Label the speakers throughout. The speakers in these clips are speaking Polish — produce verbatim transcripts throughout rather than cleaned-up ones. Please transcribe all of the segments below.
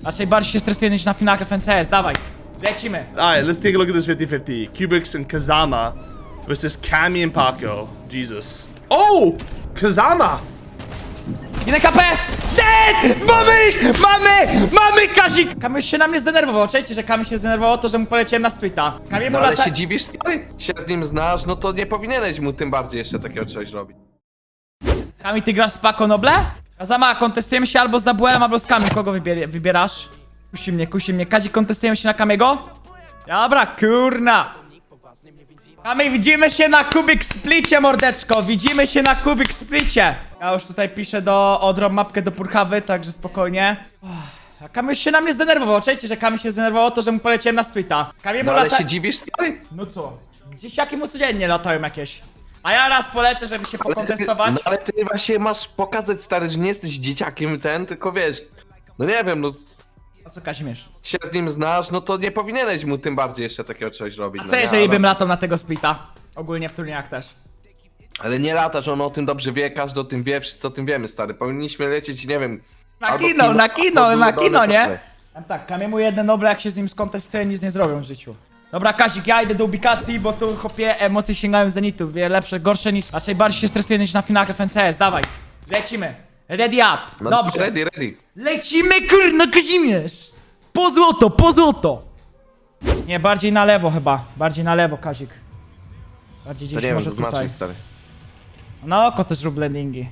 Speaker 1: Raczej bardziej się stresuję niż na finałach F N C S, dawaj. Lecimy.
Speaker 2: Alright, let's take a look at this fifty fifty. Cubics and Kazama versus Kami and Paco. Jesus. Oh! Kazama!
Speaker 1: Jeden K P! Dead! Mamy ich! Mamy! Mamy Kazik! Kamil się na mnie zdenerwował. Czajcie, że Kamil się zdenerwował to, że mu poleciałem na splita. Kamil mu
Speaker 3: No ale
Speaker 1: lata...
Speaker 3: się dziwisz, stary? Się z nim znasz, no to nie powinieneś mu tym bardziej jeszcze takiego czegoś robić.
Speaker 1: Kamil, ty grasz z Paco Noble? Kazama, kontestujemy się albo z Dabuelem, albo z Kamil. Kogo wybier wybierasz? Kusi mnie, kusi mnie. Kazik, kontestujemy się na Kamiego? Dobra, kurna. Kamil, widzimy się na Kubik Splicie, mordeczko. Widzimy się na Kubik Splicie. Ja już tutaj piszę do odrom mapkę do Purchawy, także spokojnie. A Kamil się na mnie zdenerwował. Czajcie, że Kamil się zdenerwował to, że mu poleciałem na splita. Kamil mu
Speaker 3: No ale
Speaker 1: lata...
Speaker 3: się dziwisz, stary?
Speaker 1: No co? Gdzieś jakie mu codziennie latają jakieś. A ja raz polecę, żeby się
Speaker 3: Ale ty,
Speaker 1: pokontestować.
Speaker 3: no ale ty właśnie masz pokazać, stary, że nie jesteś dzieciakiem ten, tylko wiesz, no nie wiem, no s-
Speaker 1: A co, Kazimierz?
Speaker 3: się z nim znasz, no to nie powinieneś mu tym bardziej jeszcze takiego czegoś robić.
Speaker 1: A
Speaker 3: no
Speaker 1: co
Speaker 3: nie,
Speaker 1: jeżeli
Speaker 3: ale-
Speaker 1: bym latał na tego splita? Ogólnie w turniejach też.
Speaker 3: Ale nie latasz, on o tym dobrze wie, każdy o tym wie, wszyscy o tym wiemy, stary. Powinniśmy lecieć, nie wiem...
Speaker 1: Na
Speaker 3: albo
Speaker 1: kino, na
Speaker 3: albo
Speaker 1: kino, na
Speaker 3: dole,
Speaker 1: kino, nie?
Speaker 3: dole.
Speaker 1: Tam tak, Kamiemu jedne dobre, jak się z nim skontestuję, nic nie zrobią w życiu. Dobra, Kazik, ja idę do ubikacji, bo tu chłopie emocje sięgają zenitu. Wie, lepsze, gorsze niż... Raczej bardziej się stresuję niż na finałach F N C S, dawaj. Lecimy. Ready up.
Speaker 3: No,
Speaker 1: Dobrze.
Speaker 3: Ready, ready.
Speaker 1: Lecimy, kurno, Kazimierz! Po złoto, po złoto! Nie, bardziej na lewo chyba. Bardziej na lewo, Kazik. Bardziej
Speaker 3: To
Speaker 1: gdzieś
Speaker 3: nie wiem,
Speaker 1: może
Speaker 3: co
Speaker 1: tutaj.
Speaker 3: znaczy, stary.
Speaker 1: Na oko też rób landingi.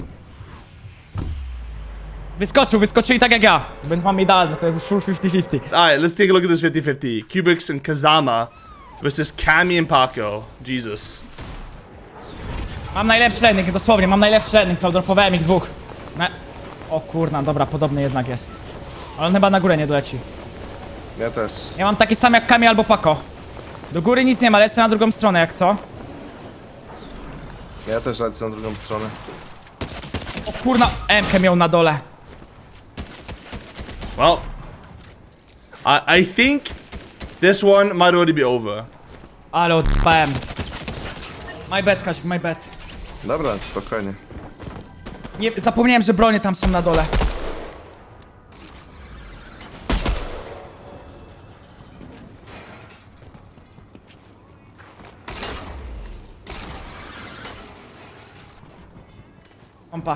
Speaker 1: Wyskoczył, wyskoczyli tak jak ja. Więc mam idealne, to jest full fifty fifty.
Speaker 2: Alright, let's take a look at this fifty fifty. Cubics and Kazama versus Kami and Paco. Jesus.
Speaker 1: Mam najlepszy landing, dosłownie, mam najlepszy landing, co dropowałem ich dwóch. Na... O kurna, dobra, podobny jednak jest. Ale on chyba na górę nie doleci.
Speaker 3: Ja też.
Speaker 1: Ja mam taki sam jak Kami albo Paco. Do góry nic nie ma, lecę na drugą stronę, jak co?
Speaker 3: Ja też lecę na drugą stronę.
Speaker 1: O kurna, M-kę miał na dole.
Speaker 2: Well, I, I think this one might already be over.
Speaker 1: Ale odpałem. My bad, Kazik, my bad.
Speaker 3: Dobra, spokojnie.
Speaker 1: Nie, zapomniałem, że bronie tam są na dole. Pompa.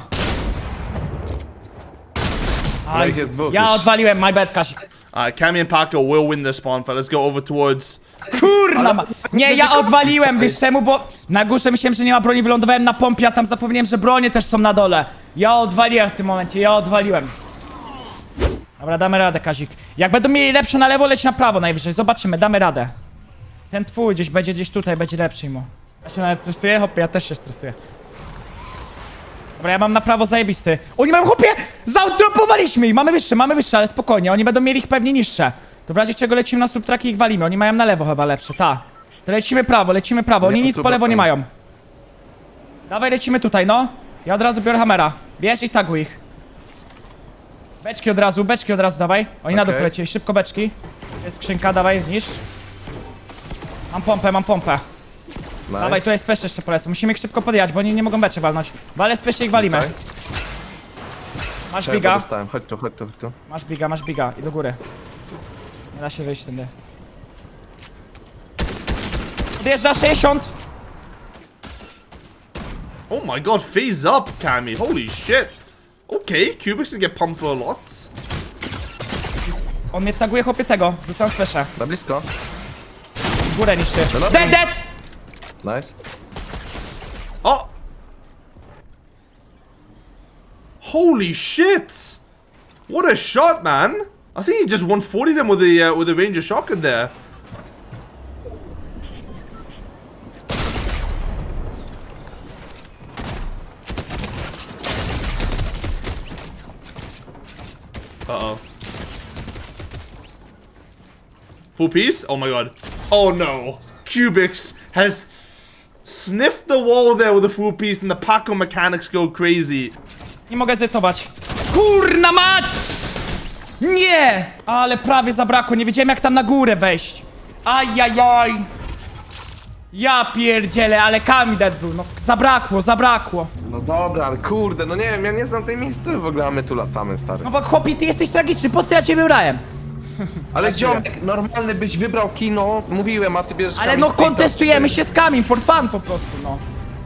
Speaker 3: No ich jest dwóch
Speaker 1: Ja
Speaker 3: już.
Speaker 1: odwaliłem, my bad, Kasik.
Speaker 2: Alright, Kami and Paco will win this spawn fight. Let's go over towards...
Speaker 1: Kurna ma... Nie, ja odwaliłem, wiesz czemu, bo na górze myślałem, że nie ma broni, wylądowałem na pompie, a tam zapomniałem, że bronie też są na dole. Ja odwaliłem w tym momencie, ja odwaliłem. Dobra, damy radę, Kazik. Jak będą mieli lepsze na lewo, leć na prawo najwyżej, zobaczymy, damy radę. Ten twój gdzieś będzie gdzieś tutaj, będzie lepszy mu. Ja się nawet stresuję, hopie, ja też się stresuję. Dobra, ja mam na prawo zajebisty. Oni mają, chłopie, zautropowaliśmy ich, mamy wyższe, mamy wyższe, ale spokojnie, oni będą mieli ich pewnie niższe. To w razie czego lecimy na subtraki i ich walimy, oni mają na lewo chyba lepsze, ta. To lecimy prawo, lecimy prawo, oni
Speaker 3: Nie,
Speaker 1: nic po
Speaker 3: super,
Speaker 1: lewo nie
Speaker 3: fajnie.
Speaker 1: mają. Dawaj, lecimy tutaj, no. Ja od razu biorę hamera. Bierz i taguj ich. Beczki od razu, beczki od razu, dawaj. Oni na dół
Speaker 3: Okej.
Speaker 1: polecieli, szybko beczki. Jest skrzynka, dawaj, niż. Mam pompę, mam pompę.
Speaker 3: Nice.
Speaker 1: Dawaj, tu jest peszcze jeszcze polecę. Musimy ich szybko podjechać, bo oni nie mogą beczek walnąć. Wale z peszcze ich walimy.
Speaker 3: Tutaj.
Speaker 1: Masz
Speaker 3: Czekaj,
Speaker 1: biga,
Speaker 3: dostałem. Chodź tu, chodź tu, chodź tu.
Speaker 1: masz biga, masz biga. I do góry. Nie da się wyjść tędy. Odjeżdża sześćdziesiąt!
Speaker 2: Oh my god, phase up, Kami. Holy shit. Okay, Cubics can get pumped for a lot.
Speaker 1: On mnie taguje, chłopie tego. Rzucam speszę.
Speaker 3: Na blisko.
Speaker 1: W górę niszczy.
Speaker 3: No dobra.
Speaker 1: Dead, dead!
Speaker 3: Nice.
Speaker 2: Oh! Holy shit! What a shot, man! I think he just one forty them with the uh, with the Ranger shotgun there. Uh oh. Full piece? Oh my god. Oh no. Cubics has sniffed the wall there with a full piece and the Paco mechanics go crazy.
Speaker 1: Nie mogę zetować. Kurna mać! Nie! Ale prawie zabrakło, nie wiedziałem jak tam na górę wejść. Ajajaj! Ja pierdzielę, ale Kamidet był, no zabrakło, zabrakło.
Speaker 3: No dobra, ale kurde, no nie wiem, ja nie znam tej miejscowej w ogóle, a my tu latamy, stary.
Speaker 1: No bo chłopie, ty jesteś tragiczny, po co ja cię wybrałem?
Speaker 3: Ale ziomek, normalny byś wybrał kino, mówiłem, a ty bierzesz
Speaker 1: Ale
Speaker 3: Kami
Speaker 1: no
Speaker 3: Streeta,
Speaker 1: kontestujemy
Speaker 3: ty.
Speaker 1: się z Kamim, for fun po prostu, no.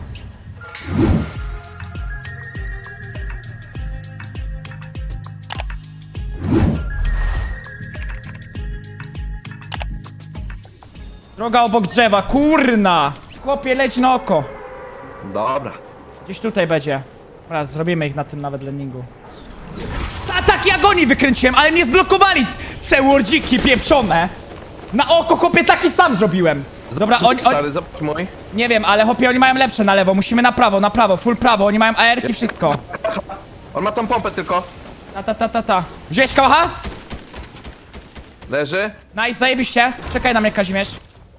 Speaker 1: Droga obok drzewa, kurna! Chłopie, leć na oko.
Speaker 3: Dobra.
Speaker 1: Gdzieś tutaj będzie. Raz, zrobimy ich na tym nawet landingu. Ataki agonii wykręciłem, ale mnie zblokowali! Cełordziki pieprzone! Na oko, chłopie, taki sam zrobiłem. Dobra, oni, oni,
Speaker 3: Stary, zobacz mój.
Speaker 1: nie wiem, ale chłopie, oni mają lepsze na lewo. Musimy na prawo, na prawo, full prawo. Oni mają A R-ki, wszystko.
Speaker 3: On ma tą pompę tylko.
Speaker 1: Ta, ta, ta, ta, ta. Wziąłeś kałacha?
Speaker 3: Leży.
Speaker 1: Nice, zajebiście. Czekaj na mnie, Kazimierz.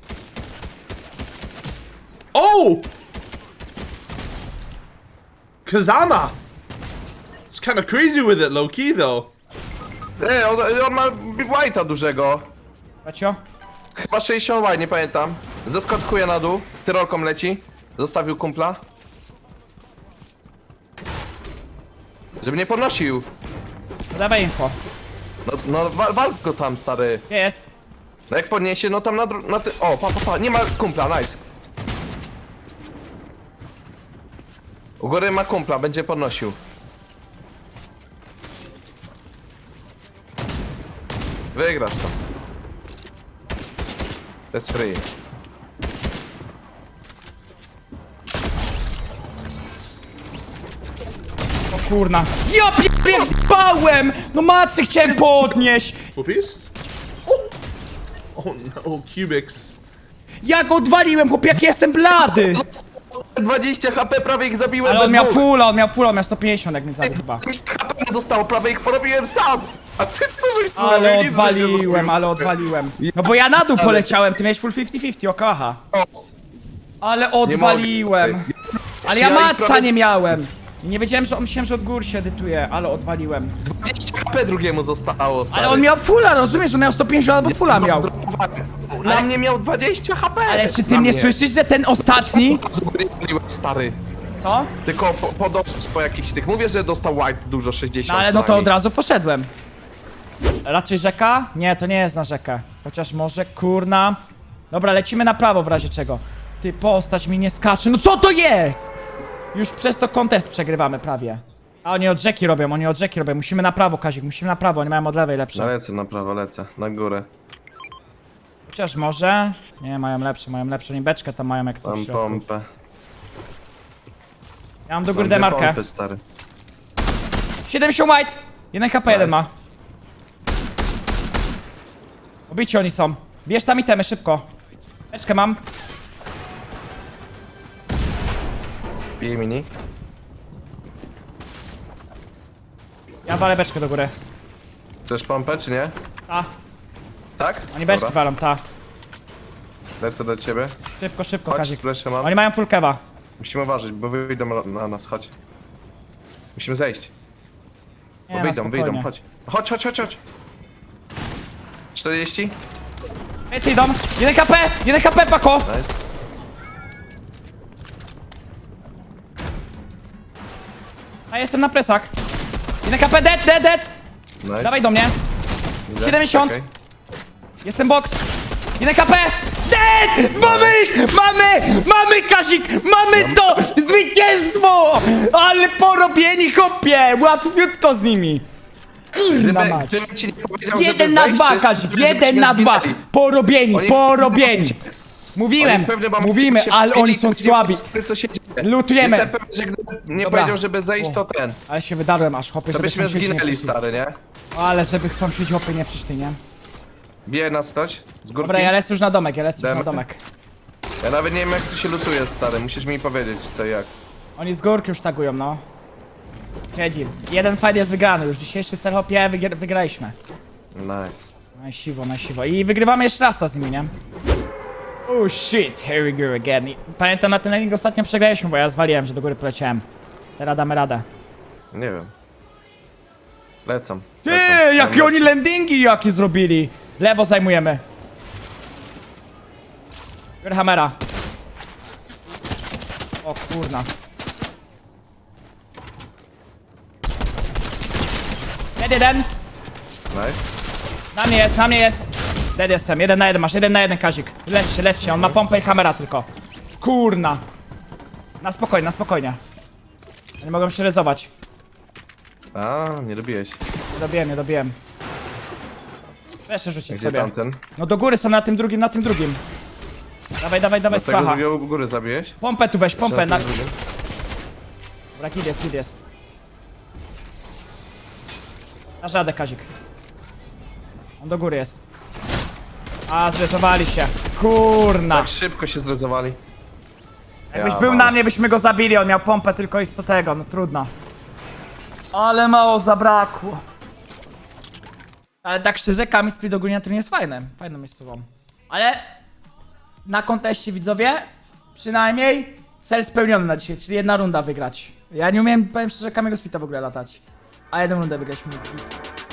Speaker 2: Oh! Kazama! It's kind of crazy with it, low key though.
Speaker 3: Ej, on, on ma white'a dużego.
Speaker 1: Pacio?
Speaker 3: Chyba sześćdziesiąt white, nie pamiętam. Zeskotkuje na dół, tyrolką leci. Zostawił kumpla. Żeby nie podnosił.
Speaker 1: No dawaj info.
Speaker 3: No, no wal, wal go tam, stary.
Speaker 1: Gdzie jest?
Speaker 3: No jak podniesie, no tam na, dru- na ty... O, pa, pa, pa, nie ma kumpla, nice. U góry ma kumpla, będzie podnosił. Wygrasz to. To jest free.
Speaker 1: O kurna. Ja pierdolę, jak zbałem! No macy chciałem podnieść!
Speaker 2: Full piece? Oh! Oh no, Cubics.
Speaker 1: Ja go odwaliłem, chłopie, jak jestem blady!
Speaker 3: dwadzieścia H P, prawie ich zabiłem.
Speaker 1: Ale on
Speaker 3: we
Speaker 1: miał
Speaker 3: dwóch.
Speaker 1: full, on miał full, on miał sto pięćdziesiąt, jak mnie zabił chyba.
Speaker 3: dwadzieścia H P nie zostało, prawie ich porobiłem sam. A ty co żeś zrobił?
Speaker 1: Ale
Speaker 3: Nic, żeś nie
Speaker 1: odwaliłem,
Speaker 3: zrobił.
Speaker 1: ale odwaliłem. No bo ja na dół poleciałem, ty miałeś full pięćdziesiąt pięćdziesiąt, okaha.
Speaker 3: Os.
Speaker 1: Ale odwaliłem.
Speaker 3: mogę,
Speaker 1: Ale ja
Speaker 3: Ja ich
Speaker 1: maca
Speaker 3: prawie-
Speaker 1: nie miałem. I nie wiedziałem, że on myślałem, że od góry się edytuje, ale odwaliłem.
Speaker 3: dwadzieścia H P drugiemu zostało, stary.
Speaker 1: Ale on miał fulla, rozumiesz? On miał sto pięćdziesiąt albo fulla miał.
Speaker 3: Na
Speaker 1: Ale-
Speaker 3: mnie miał dwadzieścia H P.
Speaker 1: Ale czy ty
Speaker 3: Na
Speaker 1: mnie
Speaker 3: mnie.
Speaker 1: słyszysz, że ten ostatni...
Speaker 3: Stary.
Speaker 1: Co?
Speaker 3: Tylko po, podążyć po jakichś tych. Mówię, że dostał white dużo,
Speaker 1: No
Speaker 3: sześćdziesiąt.
Speaker 1: ale
Speaker 3: co
Speaker 1: no to
Speaker 3: najmniej.
Speaker 1: od razu poszedłem. Raczej rzeka? Nie, to nie jest na rzekę. Chociaż może, kurna. Dobra, lecimy na prawo w razie czego. Ty, postać mi nie skacze. No co to jest? Już przez to kontest przegrywamy prawie. A oni od rzeki robią, oni od rzeki robią. Musimy na prawo, Kazik, musimy na prawo. Oni mają od lewej
Speaker 3: No
Speaker 1: lepsze.
Speaker 3: lecę na prawo, lecę. Na górę.
Speaker 1: Chociaż może... Nie, mają lepsze, mają lepsze. Oni beczkę tam mają jak coś w
Speaker 3: Mam
Speaker 1: środku.
Speaker 3: pompę.
Speaker 1: Ja mam do
Speaker 3: Mam
Speaker 1: góry
Speaker 3: dwie
Speaker 1: demarkę.
Speaker 3: pompy, stary.
Speaker 1: siedemdziesiąt white! jeden H P jeden ma. Obici oni są. Bierz tam itemy, szybko. Beczkę mam.
Speaker 3: Bije mini.
Speaker 1: Ja walę beczkę do góry.
Speaker 3: Chcesz pompę, czy nie?
Speaker 1: Ta.
Speaker 3: Tak?
Speaker 1: Oni beczki
Speaker 3: Dobra.
Speaker 1: walą, ta.
Speaker 3: Lecę do ciebie.
Speaker 1: Szybko, szybko,
Speaker 3: Chodź,
Speaker 1: Kazik.
Speaker 3: splaszę mam.
Speaker 1: Oni mają full kewa.
Speaker 3: Musimy uważać, bo wyjdą na- na nas, chodź. Musimy zejść.
Speaker 1: Nie,
Speaker 3: Bo
Speaker 1: no,
Speaker 3: wyjdą,
Speaker 1: spokojnie.
Speaker 3: wyjdą, chodź. Chodź, chodź, chodź, chodź. czterdzieści?
Speaker 1: Więcej idą. jeden H P! jeden H P, pako!
Speaker 3: Nice.
Speaker 1: A jestem na plecach. jeden H P, dead, dead, dead!
Speaker 3: Nice.
Speaker 1: Dawaj do mnie.
Speaker 3: Idę.
Speaker 1: siedemdziesiąt.
Speaker 3: Czekaj.
Speaker 1: Jestem box. jeden H P! Dead! Mamy ich! Mamy! Mamy, Kazik! Mamy to! Zwycięstwo! Ale porobieni, chłopie! Łatwiutko z nimi. Kurna
Speaker 3: Gdyby,
Speaker 1: mać.
Speaker 3: gdybym ci nie powiedział,
Speaker 1: Jeden
Speaker 3: żeby
Speaker 1: na
Speaker 3: zejść, to
Speaker 1: dwa,
Speaker 3: jest
Speaker 1: Kazik,
Speaker 3: możliwe,
Speaker 1: jeden
Speaker 3: żebyśmy
Speaker 1: na dwa.
Speaker 3: zginęli.
Speaker 1: Porobieni,
Speaker 3: Oni-
Speaker 1: porobieni. Mówiłem,
Speaker 3: Oni pewnie mam
Speaker 1: mówimy,
Speaker 3: się
Speaker 1: ale oni
Speaker 3: wstydzili,
Speaker 1: są
Speaker 3: widzieli,
Speaker 1: słabi.
Speaker 3: Co się dzieje.
Speaker 1: Lutujemy.
Speaker 3: Jestem pewien, że gdybym nie
Speaker 1: Dobra.
Speaker 3: powiedział, żeby zejść, to ten.
Speaker 1: Ale się wydarłem aż, chłopie,
Speaker 3: To
Speaker 1: żeby
Speaker 3: byśmy
Speaker 1: sąsiedzi nie
Speaker 3: zginęli,
Speaker 1: przyszli.
Speaker 3: stary, nie?
Speaker 1: Ale żeby sąsiedzi, chłopie, nie przyszli, nie?
Speaker 3: Bije nas ktoś z górki.
Speaker 1: Dobra, ja lecę już na domek, ja lecę już na
Speaker 3: Demy.
Speaker 1: domek.
Speaker 3: Ja nawet nie wiem, jak tu się lutuje, stary. Musisz mi powiedzieć, co i jak.
Speaker 1: Oni z górki już tagują, no. Siedzi. Jeden fight jest wygrany, już dzisiejszy cel, chłopie, wygr wygraliśmy.
Speaker 3: Nice.
Speaker 1: Na siwo, na siwo. I wygrywamy jeszcze raz z nimi, nie? Oh shit, here we go again. I pamiętam, na ten landing ostatnio przegraliśmy, bo ja zwaliłem, że do góry poleciałem. Teraz damy radę.
Speaker 3: Nie wiem. Lecą.
Speaker 1: Ty,
Speaker 3: lecą.
Speaker 1: jakie oni landingi jakie zrobili! Lewo zajmujemy. Biorę hamera. O kurna. Dead jeden.
Speaker 3: Nice.
Speaker 1: Na mnie jest, na mnie jest. Dead jestem, jeden na jeden, masz jeden na jeden Kazik. Leć się, leć się, on ma pompę i kamera tylko. Kurna. Na spokojnie, na spokojnie. Nie mogą się rezować.
Speaker 3: A, nie robiłeś.
Speaker 1: Nie dobiłem, nie dobiłem. Jeszcze rzucić
Speaker 3: Gdzie
Speaker 1: sobie.
Speaker 3: tamten?
Speaker 1: No do góry są na tym drugim, na tym drugim. Dawaj, dawaj, dawaj,
Speaker 3: Z tego
Speaker 1: spacha.
Speaker 3: drugiego u góry zabiłeś?
Speaker 1: Pompę tu weź, pompę. Na...
Speaker 3: Na... tym drugim?
Speaker 1: Dobra, kid jest, kid jest. Na żadę, Kazik. On do góry jest. A, zrezowali się. Kurna.
Speaker 3: Tak szybko się zrezowali.
Speaker 1: Jakbyś
Speaker 3: Ja
Speaker 1: był
Speaker 3: mam.
Speaker 1: na mnie, byśmy go zabili. On miał pompę tylko i sto tego, no trudno. Ale mało zabrakło. Ale tak szczerze, Kami Split ogólnie na turnie jest fajne. Fajną miejscową. Ale na konteście widzowie, przynajmniej cel spełniony na dzisiaj, czyli jedna runda wygrać. Ja nie umiem, powiem szczerze, Kamiego Splita w ogóle latać. A jedną rundę wygrać mi.